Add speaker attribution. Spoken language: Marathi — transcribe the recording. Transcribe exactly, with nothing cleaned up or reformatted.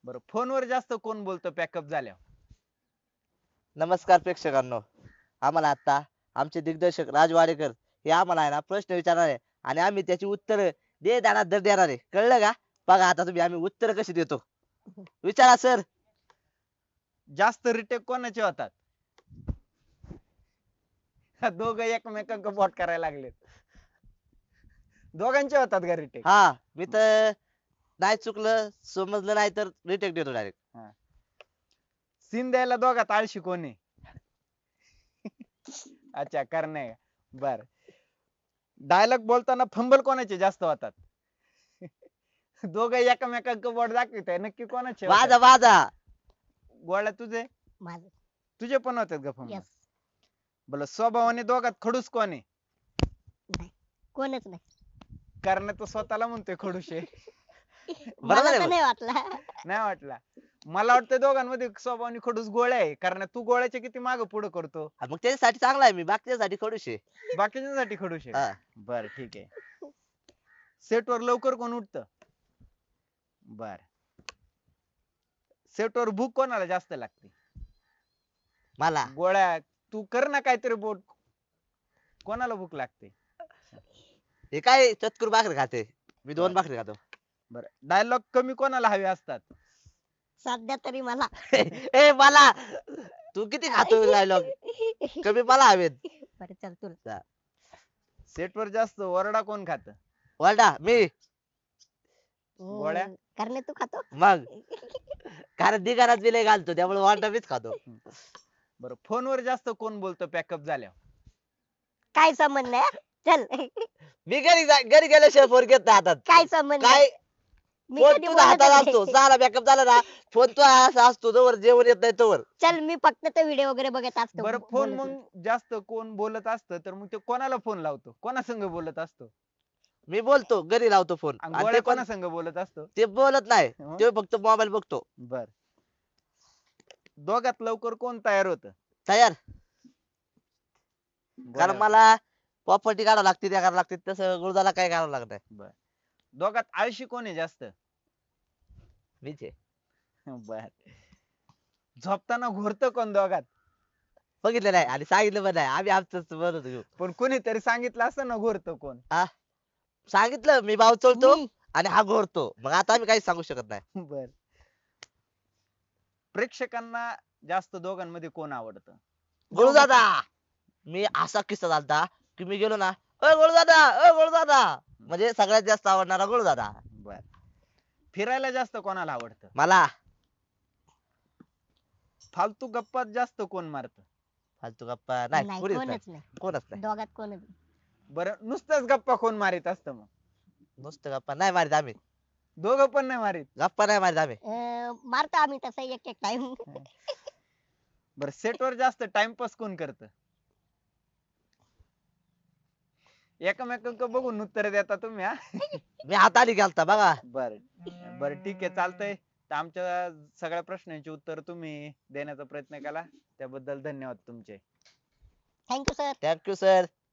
Speaker 1: बरं फोनवर जास्त कोण बोलतो पॅकअप झाल्यावर?
Speaker 2: नमस्कार प्रेक्षकांनो, आम्हाला आता आमचे दिग्दर्शक राज वाडेकर हे आम्हाला आहे ना प्रश्न विचारणार आहे आणि आम्ही त्याची उत्तर दे दाना दर देणार आहे. कळलं का? बघा आता तुम्ही आम्ही उत्तर कशी देतो. विचारा सर.
Speaker 1: जास्त रिटेक कोणाचे होतात? दोघं एकमेकांक बोट करायला लागलेत. दोघांचे होतात का रिटेक?
Speaker 2: हा मी तर नाही चुकलं समजलं नाही तर रिटेक देतो डायरेक्ट.
Speaker 1: सीन द्यायला दोघात आळशी कोण आहे? अच्छा करणे. बर डायलॉग बोलताना फंबल कोणाचे जास्त होतात? दोघं एकमेकांक बोट दाखवित आहे नक्की कोणाचे होतात?
Speaker 2: वाजा वाजा.
Speaker 1: गोळ्या तुझे
Speaker 3: माझं
Speaker 1: तुझे पण होतात का फंबल?
Speaker 3: यस.
Speaker 1: बोला स्वभावाने दोघात खडूस कोण आहे?
Speaker 3: नाही कोणच नाही.
Speaker 1: कारण तो स्वतःला म्हणतोय खडूस आहे.
Speaker 2: बरोबर
Speaker 3: मला
Speaker 2: आहे
Speaker 3: तर
Speaker 2: मग.
Speaker 3: नाही वाटला.
Speaker 1: नाही वाटला. मला वाटतं दोघांमध्ये स्वभावाने खडूस गोळ्या आहे कारण तू गोळ्याचे किती माग पुढे करतो.
Speaker 2: हा, मग त्याच्यासाठी चांगला आहे मी बाकीच्यासाठी खडूस आहे.
Speaker 1: बाकीच्यांसाठी खडूस
Speaker 2: हा.
Speaker 1: आहे. बर ठीक आहे. सेट वर लवकर कोण उठत? बर सेट वर भूक कोणाला जास्त लागते?
Speaker 2: मला
Speaker 1: गोळ्या तू कर ना काहीतरी बोट. कोणाला भूक लागते?
Speaker 2: हे काय चतकुर भाकरी खाते मी दोन
Speaker 1: बरं.
Speaker 2: भाकरी खातो.
Speaker 1: बर डायलॉग कमी कोणाला हवे असतात?
Speaker 3: सध्या तरी मला.
Speaker 2: ए मला तू किती खातो डायलॉग कमी मला हवेत.
Speaker 3: बरं चल तुला.
Speaker 1: सेट वर जास्त ओरडा कोण खात?
Speaker 2: वरडा मी.
Speaker 1: गोळ्या?
Speaker 3: हम्म, करणे तू खातो.
Speaker 2: मग कारण दिगारात बिले घालतो त्यामुळे वरडा मीच खातो.
Speaker 1: बर फोनवर जास्त कोण बोलतो पॅकअप झाल्यावर?
Speaker 3: काय संबंध नाही हा? चल.
Speaker 2: मी घरी जा- घरी गेल्याशिवाय फोन घेत नाही हातात.
Speaker 3: काय संबंध
Speaker 2: काय
Speaker 3: नाही. मी
Speaker 2: फोन
Speaker 3: कधी
Speaker 2: तुझा
Speaker 3: बोलतच
Speaker 2: हातात
Speaker 3: नाही.
Speaker 2: असतो सारा बॅकअप झाला ना फोन तो असा असतो तोवर जेवण येत नाही तोवर.
Speaker 3: चल मी फक्त ते व्हिडिओ वगैरे बघत असतो.
Speaker 1: बरं
Speaker 3: बो-
Speaker 1: फोन
Speaker 3: बोलत नाही.
Speaker 1: मग जास्त कोण बोलत असतं तर मग ते कोणाला फोन लावतो? कोणा संग बोलत असतो?
Speaker 2: मी बोलतो घरी लावतो फोन
Speaker 1: आणि
Speaker 2: आणि
Speaker 1: गोळ्या
Speaker 2: ते पण
Speaker 1: कोणा संग बोलत असतो?
Speaker 2: ते बोलत नाही
Speaker 1: हं?
Speaker 2: ते फक्त मोबाईल बघतो.
Speaker 1: बर दोघात लवकर कोण तयार होत?
Speaker 2: तयार कारण मला प्रॉपर्टी काढावं लागते त्या करावं लागते तसं गुरुदाला काय करावं लागत नाही.
Speaker 1: बर दोघात आळशी कोण आहे जास्त?
Speaker 2: मीच आहे.
Speaker 1: बर झोपताना घोरत कोण दोघात?
Speaker 2: बघितलं नाही आणि सांगितलं पण नाही आम्ही आमचं बोलत होतो.
Speaker 1: पण कोणीतरी सांगितलं असतं ना घोरत कोण?
Speaker 2: सांगितलं मी भाव चोळतो
Speaker 3: मी.
Speaker 2: आणि हा घोरतो मग आता आम्ही काहीच सांगू शकत नाही.
Speaker 1: बर प्रेक्षकांना जास्त दोघांमध्ये कोण आवडतं?
Speaker 2: गुरुदादा मी असा किस्सा झालता की मी गेलो ना अ गुरुदादा अ गुरुदादा म्हणजे सगळ्यात जास्त आवडणारा गुरुदादा.
Speaker 1: बर फिरायला जास्त कोणाला आवडतं?
Speaker 2: मला
Speaker 1: फालतू गप्पात जास्त कोण मारत?
Speaker 2: फालतू गप्पा नाही
Speaker 3: नाही
Speaker 2: कोणीच
Speaker 3: कोणच
Speaker 2: नाही
Speaker 3: नाही.
Speaker 2: कोणच नाही.
Speaker 3: दोघात कोणच नाही.
Speaker 1: बरं नुसतंच गप्पा कोण मारित असतं मग?
Speaker 2: नुसतं गप्पा नाही मारित आम्ही.
Speaker 1: दोघं पण नाही मारित?
Speaker 2: गप्पा नाही मारित आम्ही.
Speaker 3: अं, मारतो आम्ही तसं एक एक टाइम.
Speaker 1: बर सेट वर जास्त टाइमपास कोण करत? एकमेकांक बघून उत्तर देता तुम्ही हा?
Speaker 2: मी हाताने गेलता बघा.
Speaker 1: बर बर ठीक आहे चालतंय. तर आमच्या सगळ्या प्रश्नांची उत्तर तुम्ही देण्याचा प्रयत्न केला त्याबद्दल धन्यवाद तुमचे.
Speaker 3: Thank you sir.
Speaker 2: Thank you sir.